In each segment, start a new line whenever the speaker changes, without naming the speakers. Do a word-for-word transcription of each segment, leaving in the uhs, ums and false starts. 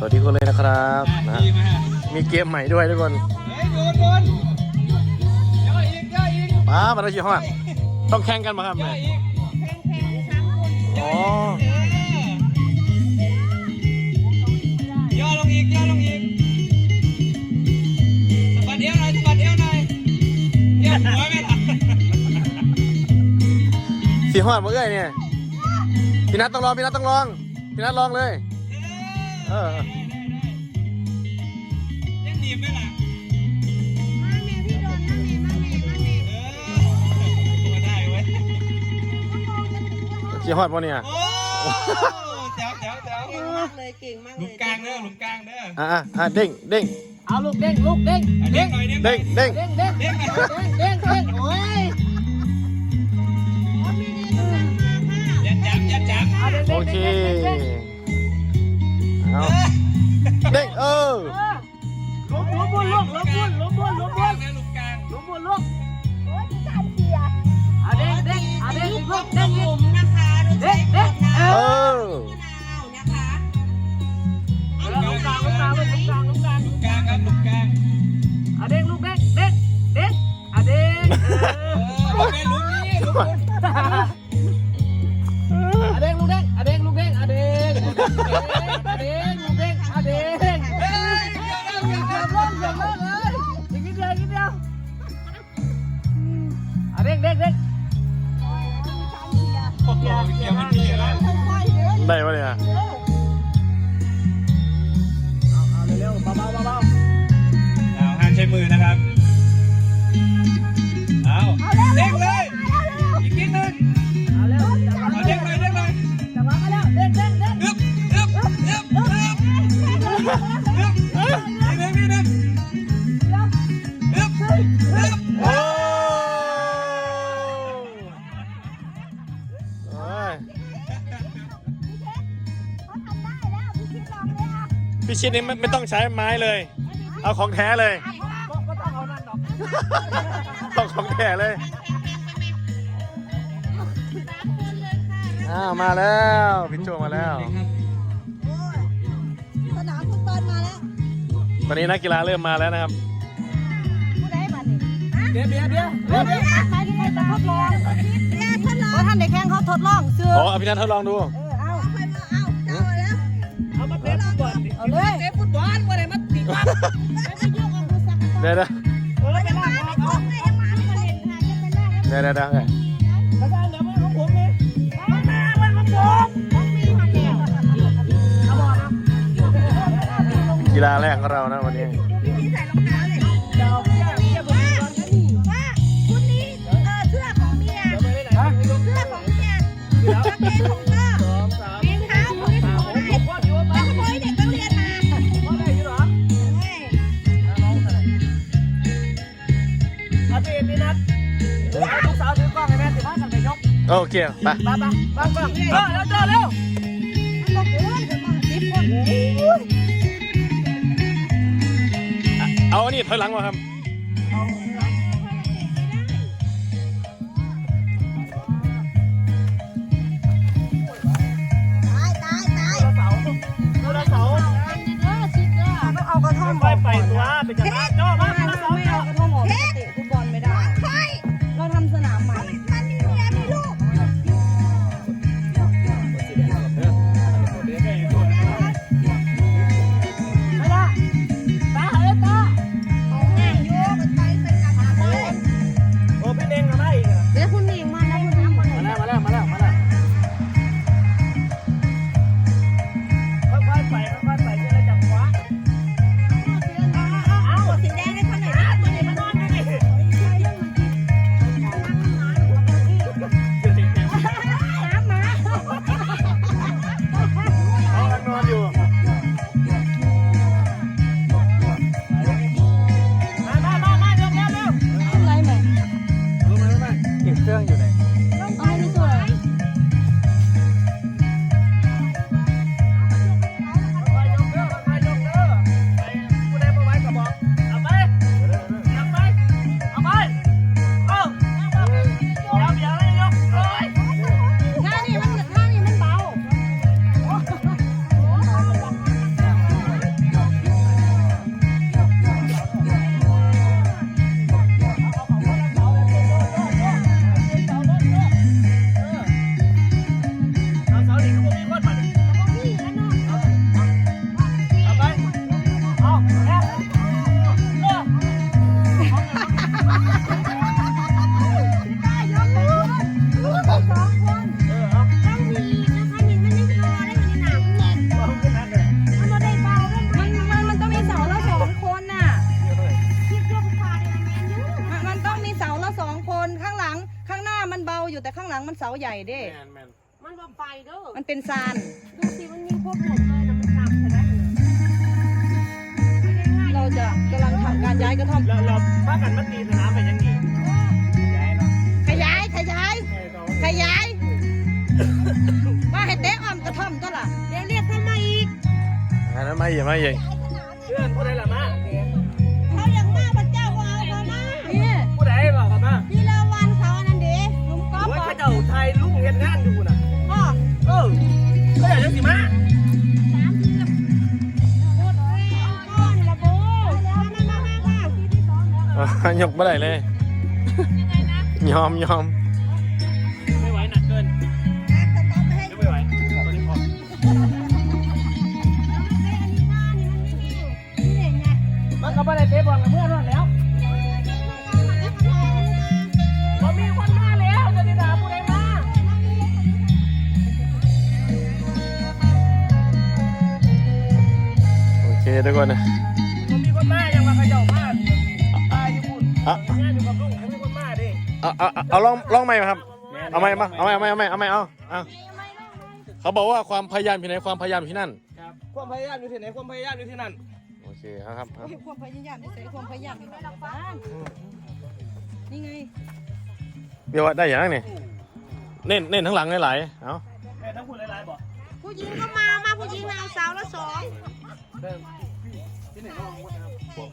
วัสดีคนเลยนะครับนะมีเกมใหม่ด้วยทุกคนป้ามาแล้วยี่ห้อต้องแข่งกันมาครับเนี่ยอ๋
อย่อลงอีกย่อลงอีกสะบัดเอวหน่อยสะบัดเอวหน่อยเอวหัวไม่หลับ
สีหอดมาเอ้ยเนี่ยพี่นัทต้องลองพี่นัทต้องลองพี่นัทลองเลยเออ
เล่นดีไหมล่ะ
มาแม่พี่โดนมาแม่มาแม่มาแม่
ตัวได้เว้ย
สีหอดมาเนี่ย
โอ้แจ๋วแจ๋วแจ๋ว
เก่งมากเลยเก่งมากเลย
หลุมกลางเด้อหลุมกลางเด้อ
อ่ะอ่ะเด้งเด้ง
เอาลูกเด้งลูกเด้ง
เด้งหน่อยเด้ง
เด้งเด้ง
เด้งเด้งเด้งเด้งเด้งโอ้ย
ยัดจับยัดจับ
โอเคเอาเด้งเออ
ล้มล้มบนล้มล้มบนล้มบนล้มบน
หลุมกลาง
ล้มบนล้ม
โอ้ยที่การเสีย
เอาเด้งเด้งเอาเด้งลูกเด้ง
หลุมนะคะโดยใช้ขวดน้ำ
เออ
มะนาวนะคะ
ลูกกลางลูกกลางลูกกลางลูกกลาง
หลุมกลางครับหลุมกลาง
เอาเด้งลูกเด้งเด้งเด้งเอาเด้ง
เออเป็นหลุมนี้หลุมบน
เอาเด้งลูกเด้งเอาเด้งลูกเด้งเอาเด้งเอาเด้งลูกเด้งเอาเด้ง
เฮ้ย
เดี๋ยวล้มเดี๋ยวล้มเลยอีกนิดเดียวอีกนิดเดียวเอาเด้งเด้งเด้ง
โอ้โหเกี่ยวมันดีแล้ว
ค่อยๆเดิน
ได้ปะเนี่ย
เอาเอาเร็วๆเบาๆเบา
เอาห้ามใช้มือนะครับเอาเด้งเลยอีกนิดนึง
ๆเอาเร็วจับ
เอาเด้งเลยเด้งเลย
จับมาแล้วเด้งเด้งเด้ง
อึ๊บอึ๊บอึ๊บอึ๊บอึ๊บอึ๊บนิดนึงนิดนึงอึ๊บอึ๊บ
โอ้ย
เขาทำได้แล้วพี่คิดลองเลยอ่ะ
พี่ชิดนี่ไม่ไม่ต้องใช้ไม้เลย เอาของแท้เลย
ก็ก็ต้องเอานั่นหรอก
ต้องของแท้เลยอ้าวมาแล้วพี่โจมาแล้ว
โอ้ยสนามฟุตบอลมาแล้ว
ตอนนี้นักกีฬาเริ่มมาแล้วนะครับ
ผู้ใดมาดิฮะ
เดี๋ยวเดี๋ยวเดี๋ยวเดี๋ยวเดี๋ยว
ใครที่ใครจะทดลองเรียกทดลองท่านเด็กแข่งเขาทดลองซื้อ
อ๋อเอาพี่นัททดลองดู
เออเอาไปมาเอาเจ้าแล้ว
เอามาเตะฟุตบอล
เอาเลย
เตะฟุตบอลว่าไหนมาตีบ้าน
ไปไปยกเอาดูสัก
เดี๋ยวเดี๋ยว
เออ
ไป
ไป
ยัง
ล่า
มา
เขา
ไม่ครบเลยยังมาไม่เห็นค่ะจะเป็นแรก
เดี๋ยวเดี๋ยวเดี๋ยว
แล้วก็เดี๋ยวมันของผมนี่มันมามันของผม
ต้องมีหันแล้ว
เอาบอกนะ
กีฬาแรกของเรานะวันนี้
พี่ที่ใส่รองเท้าเลย
เดี๋ยวเดี๋ยวเดี๋ยว
ว่าว่าคุณนี่เออเสื้อของเมีย
เดี๋ยวไปไหนฮะ
เสื้อของเมียกางเกงของพ่อ
สองสาม
รองเท้าของพี่ของไหน
ผมว่าอยู่
แล้
บ้า
วน ขโมยเด็กนักเรียนมา
ว่าได้อยู่เหรอ
เฮ้ย
น้องอะไรอาทิตย์นี้นัดลูกสาวถือกล้องให้แม่สิพากันไปยก
โอเคไป
ไปไปไปไปเออแล้วเจอเร็ว
มันบอกว่าจะมาสิบคน
เอาอันนี้ถอยหลังมาครับ
ตายตายตาย
เสาเสา
เออชิดเด้อต้องเอากระท่อม
ไปไปตัวเป็นจังหวะจ่อมาเสา
ไม่
เสา
เอากระท่อมออกเตะฟุตบอลไม่ได้เราทำสนามใหม่มันมีเมียมีลูก
ไม่ได้ตาเฮ้ยตา
เอาง่ายโยกไปเป็นกระถางเลย
โอ้พี่เด้งมาอีก
เดี๋ยวคุณหนิงมาแล้วคุณน้ำมา
มาแล้วมาแล้วมาแล้วมาแล้วค่อยๆไปค่อยๆไปจะได้จับขวาเอา
สาใหญ่เด้
แมนแมน
มันบ่ไปเด้อ
มันเป็นซาน
ดูสิมันมีพวกหมดเลยนะมันหนักใช่ไหมมัน
เราจะกำลังทำการย้ายกระท่อม
เราเราพากันมาตีสนามไปยังนี่ย้ายเนาะ
ขยายขยายขยายว่าให้เตะอ้อมกระท่อมก็ล่ะ
เดี๋ยวเรียกทำไมอีก
อันนั้นไม่ใหญ่ไม่ใหญ่
เพื่อนผู้ใดล่ะมา
เขาอย่างมากพระเจ้าก็เอาเขามา
นี่
ผู้ใดบอกกันมา
พี่ละวันเขาอันนั้นเด้ลุงก๊อฟ
โอ้ย
บอ
ข้าก เจ้าไทยลุงเฮ็ดงานอยู่น่ะ
พ่อ
เออเขาอยากจะสิมา
สามทีละหมดแล้วก้อนละโบมามามามามาที่ที่สองแล้ว
อ่ะยกไม่ได้เลย ยอมยอม
ไม่ไหวหนักเกิน
อ่ะสต๊อปให้
ยังไม่ไหวตอนนี้พอ มันก็ไม่ได้เตะบอลกับเพื่อนนั่นแล้วมันมีคนมาแล้วจะติดตามผู้ใดมา
โอเคทุกคนนะ
มันมีคนมายังมาเขย่ามาตายอยู่คุณ
อ่ะ
งานอยู่กับลุงเขามีคนมาดิ
เอาเอาเอาเอาลองลองใหม่มาครับ เอาใหม่มาเอาใหม่เอาใหม่เอาใหม่เอาใหม่เอาเอาเขาบอกว่าความพยายามอยู่ไหนความพยายามอยู่ที่นั่น
ครับความพยายามอยู่ที่ไหนความพยายามอยู่ที่นั่น
โอเคครับครับครับ
ความพยายามนี่ใส่ความพยายามนี่หลักบ้านนี่ไง
เดี๋ยวว่าได้อย่างนั้นนี่เน้นเน้นทั้งหลังหลายๆเอา
แม่ทั้งคุณหลายๆบอก
ผู้หญิงก็มา มาผู้หญิงเอาสาวละสอง
ที่ไหนก็ลองพูดนะครับ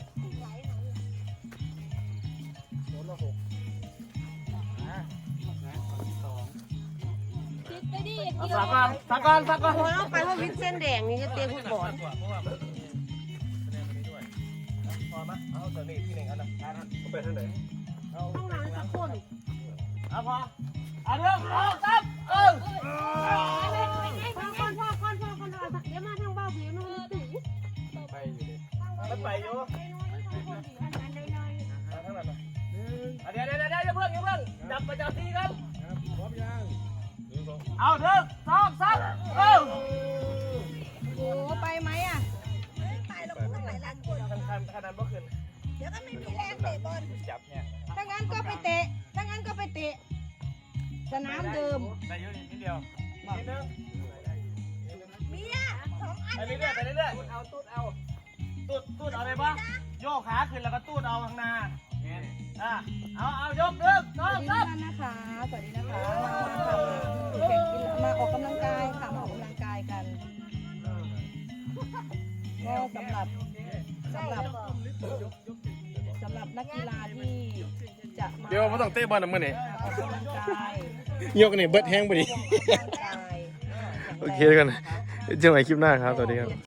โดนละหกนะสอง
คิดไปดิ
สากอนสากอนสากอน
โอ้ยเอาไปเพราะวินเส้นแดงนี่จะเตะฟุตบอล
เพราะว่ามันมีคะแนนตรงนี้ด้วยพอไหมเอาตัวนี้ที่หนึ่งอันนั้นเอาไปทางไหนเอา
ข้างหลังสักคน
เอาพอเอาเรื่องเอาซับเออ
พ่อคนพ่อคนพ่อคนเอาเดี๋ยวมาทางเบ้าผิวนู่นนี่
ไปอยู่ดิมันไปอยู่เอาทั้งนั้นเอาเดี๋ยวเดี๋ยวเดี๋ยวเดี๋ยวเพิ่งเดี๋ยวเพิ่งจับประจำที่ครับพร้อมยังเอาเรื่องสองสามเออ
โอ้ไปไหมอ่ะ
ไปเราพูดหลายล้านคน
คันคันคันนั้นบ่ขึ้น
เดี๋ยวก็ไม่มีแรงเตะบอล
จับเนี่ย
ถ้างั้นก็ไปเตะถ้างั้นก็ไปเตะสนามเดิม
ได้เยอะนิดเดียวนิดนึง
เมียสองอัน
ไปเรื่อยๆไปเรื่อยๆเอาตูดเอาตูดตูดเอาอะไรบ้างโยกขาขึ้นแล้วก็ตูดเอาข้างหน้าอ่ะเอาเอายกเรื่องส
ส
อ
วั
ง
สดี
สา
ทุก
ม
ท่านนะคะ สวัสดีนะคะ มาค่ะแข่งกีฬามาออกกำลังกายค่ะ มาออกกำลังกายกัน ก็สำหรับสำหรับสำหรับนักกีฬาที่จะมา
เดี๋ยวไม่ต้องเตะบอลนะมื่อนี้
ออกกำลังกาย
ยกนี่เบิดแห้งไปดิ
ออกกำลังกาย
โอเคทุกคนเจอกันใหม่คลิปหน้าครับสวัสดีครับ